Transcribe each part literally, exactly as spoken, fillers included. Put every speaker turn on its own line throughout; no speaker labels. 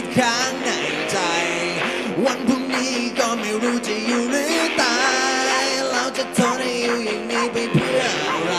ข้างในใจวันพรุ่งนี้ก็ไม่รู้จะอยู่หรือตายเราจะทนให้อยู่อย่างนี้ไปเพื่ออะไร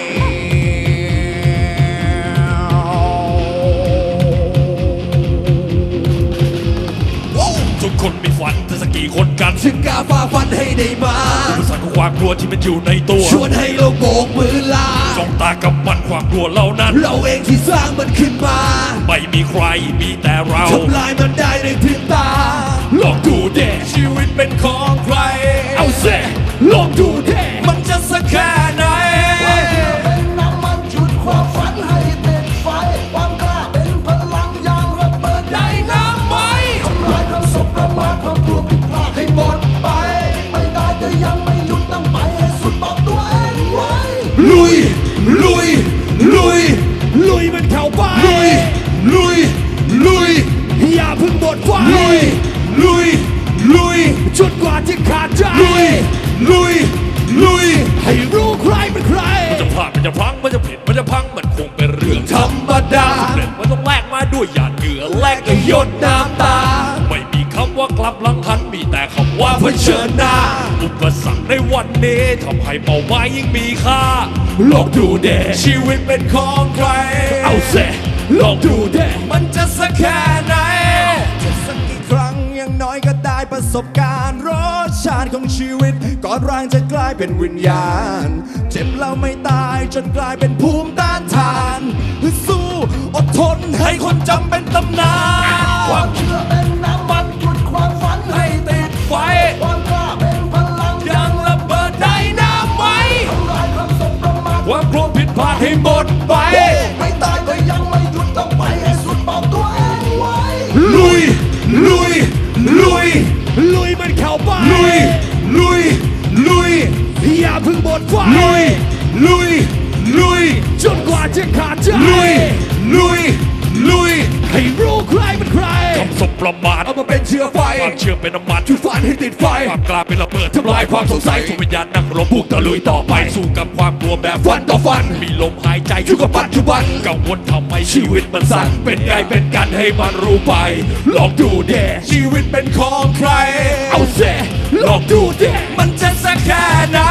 ทุกคนมีฝันแต่สักกี่คนกัน
ถึงกล้าฝ่าฟันให้ได้มา
อุปสรรคของความกลัวที่มันอยู่ในตัว
ชวนให้เราโบกมือลา
จ้องตากับมันความกลัวเหล่านั้น
เราเองที่สร้างมันขึ้นมา
ไม่มีใครมีแต่เรา
ทำลายมันได้ในพริบตา
ลองดูเด้ชีวิตเป็นของใครเอาเซ่ลองดูเด้มันจะสักแค่ไหน
เป็นน้ำมันจุดความฝันให้ติดไฟความกล้าเป็นพลังยางระเบิดได้น้ำไหมทำลายความสบประมาทความกลัวผิดพลาดให้หมดไปไม่ได้แต่ยังไม่หยุดต้องไปให้สุดบอกตัวเองไว้
ลุยลุยลุย
ลุยมันเข้าไป
ลุยลุยลุย
อย่าเพิ่งหมดไฟ
ลุยลุยลุย
จนกว่าจะขาดใจ
ลุยลุยลุย
ให้รู้ใครเป็นใครมันจะพลาดมันจะพลังมันจะผิดมันจะพังมันคงเป็นเรื่อง
ธรรมดา
เรื่องมันต้องแลกมาด้วยหยาดเหงื่อแลกกับหยดน้ำตาไม่มีคำว่ากลับหลังหันมีแต่คำว่าเผชิญหน้าอุปสรรคในวันนี้ทำให้เป้าหมายยิ่งมีค่าลองดูเด้ชีวิตเป็นของใครเอาเซ่ลองดูเด้มันจะสักแค่ไหน
จะสักกี่ครั้งอย่างน้อยก็ได้ประสบการณ์รสชาติของชีวิตก่อนร่างจะกลายเป็นวิญญาณเจ็บแล้วไม่ตายจนกลายเป็นภูมิต้านทานสู้อดทนให้คนจำเป็นตำนาน
ความเชื่อเป็นน้ำมันจุดความฝันให้ติด
ไฟ
ความกล้าเป็นพลัง
ยังระเบิดได้น้ำไหม
ทำลายความสบประมาท
ความกลัวผิดพลาดให้หมดไป
ไม่ตายก็ยังไม่หยุดต้องไปให้สุดบอกตัวเองไว้
ลุยลุยลุย
ลุยมันเข้าไป
ลุยลุยลุย
อย่าเพิ่งหมดไฟ
ลุยลุยลุย
จนกว่าจะขาดใจ
ลุยลุยลุย
ให้รู้ใครเป็นใครคำสบประมาท
เอามาเป็นเชื้อไฟ
ความเชื่อเป็นน้ำมัน
จุดฝันให้ติดไฟ
ความกล้าเป็นระเบิดทำลายความสงสัยทุกวิญญาณนักรบบุกตะลุยต่อไปสู้กับความกลัวแบบฟันต่อฟันมีลมหายใจอยู่กับปัจจุบันกังวลทำไมชีวิตมันสั้นเป็นไงเป็นกันให้มันรู้ไปลองดูเด้ชีวิตเป็นของใครเอาเซ่ลองดูเด้มันจะสักแค่ไหน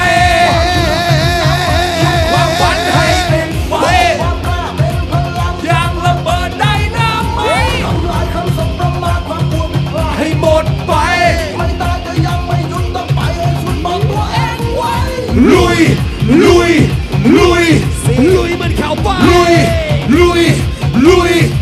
ความฝันให้เป็นไฟ
ความกล้าเป็นพลัง
ยังระเบิดได้น้ำไหม
ทำลายคำสบประมาทความกลัวผิดพลาด
ให้หมดไป
ไม่ตายก็ยังไม่หยุดต้องไปให้สุดบอกตัวเองไว้
ลุยลุยลุย
ลุยมันเข้าไป
ลุยลุยลุย